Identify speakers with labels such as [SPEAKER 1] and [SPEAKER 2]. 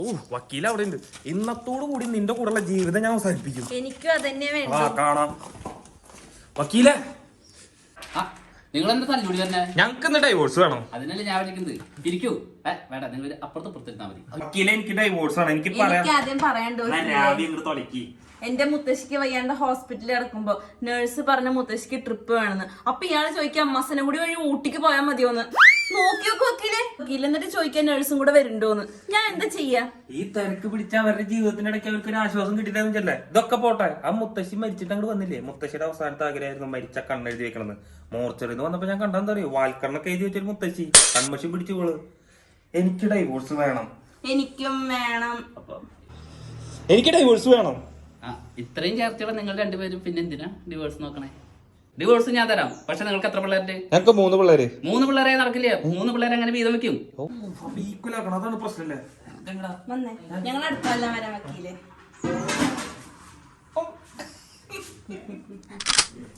[SPEAKER 1] വക്കീൽ അവിടെ ഉണ്ട്. ഇന്നത്തോടു കൂടി നിന്റെ കൂടെയുള്ള ജീവിതം ഞാൻ അവസാനിപ്പിക്കും.
[SPEAKER 2] എനിക്കും അതന്നെ വേണം.
[SPEAKER 1] കാണാം വക്കീലെ.
[SPEAKER 3] നിങ്ങൾ എന്താ തല്ലുകൂടി തന്നെ?
[SPEAKER 1] ഞങ്ങൾക്ക് ഇന്ന് ഡൈവോഴ്സ് വേണം.
[SPEAKER 3] അതിനല്ലേ ഞാൻ വിളിക്കുന്നത്. ഇരിക്കൂ. വേണ്ട, നിങ്ങൾ അപ്പുറത്ത് പുറത്തിരുന്നാ മതി.
[SPEAKER 1] വക്കീലെ, എനിക്ക് ഡൈവോഴ്സ് ആണ്. എനിക്ക്
[SPEAKER 2] ആദ്യം പറയണ്ടോ? എന്റെ മുത്തശ്ശിക്ക് വയ്യാണ്ട് ഹോസ്പിറ്റലിൽ കിടക്കുമ്പോ നഴ്സ് പറഞ്ഞ മുത്തശ്ശിക്ക് ട്രിപ്പ് വേണമെന്ന്. അപ്പൊ ഇയാള് ചോദിക്കാം അമ്മസനെ കൂടി വഴി ഊട്ടിക്ക് പോയാൽ മതിയോന്ന്. നോക്കിയോക്ക് വക്കീലെ. വക്കീൽ എന്നിട്ട് ചോദിക്കാൻ നഴ്സും കൂടെ വരുന്നുണ്ടോന്ന്. ഞാൻ എന്താ ചെയ്യാ?
[SPEAKER 1] ഈ തിരക്ക് പിടിച്ച അവരുടെ ജീവിതത്തിന്റെ ഇടയ്ക്ക് അവർക്ക് ഒരു ആശ്വാസം കിട്ടിയില്ലേ? ഇതൊക്കെ പോട്ടെ. ആ മുത്തശ്ശി മരിച്ചിട്ട് അങ്ങോട്ട് വന്നില്ലേ? മുത്തശ്ശിയുടെ അവസാനത്തെ ആഗ്രഹമായിരുന്നു മരിച്ച കണ്ണെഴുതി വെക്കണമെന്ന്. മോർച്ചറിന്ന് വന്നപ്പോ ഞാൻ കണ്ടെന്താ അറിയോ? വാൽക്കണ്ണൊക്കെ എഴുതി വെച്ചൊരു മുത്തശ്ശി കൺമശി പിടിച്ചോള്. എനിക്ക് ഡൈവോഴ്സ് വേണം.
[SPEAKER 2] എനിക്കും വേണം.
[SPEAKER 1] എനിക്ക് ഡൈവോഴ്സ് വേണം.
[SPEAKER 3] ഇത്രയും ചേർച്ചയോടെ നിങ്ങൾ രണ്ടുപേരും പിന്നെ എന്തിനാ ഡിവോഴ്സ് നോക്കണേ? ഡിവോഴ്സ് ഞാൻ തരാം. പക്ഷെ നിങ്ങൾക്ക് എത്ര പിള്ളേരുടെ?
[SPEAKER 1] ഞങ്ങൾക്ക് 3 പിള്ളേര്.
[SPEAKER 3] 3 പിള്ളേരെ നടക്കില്ല. 3 പിള്ളേരെ അങ്ങനെ വീതം വെക്കും.
[SPEAKER 1] അതാണ് പ്രശ്നല്ലേ?
[SPEAKER 2] ഞങ്ങൾ അടുത്തല്ല വരാം വക്കീലെ.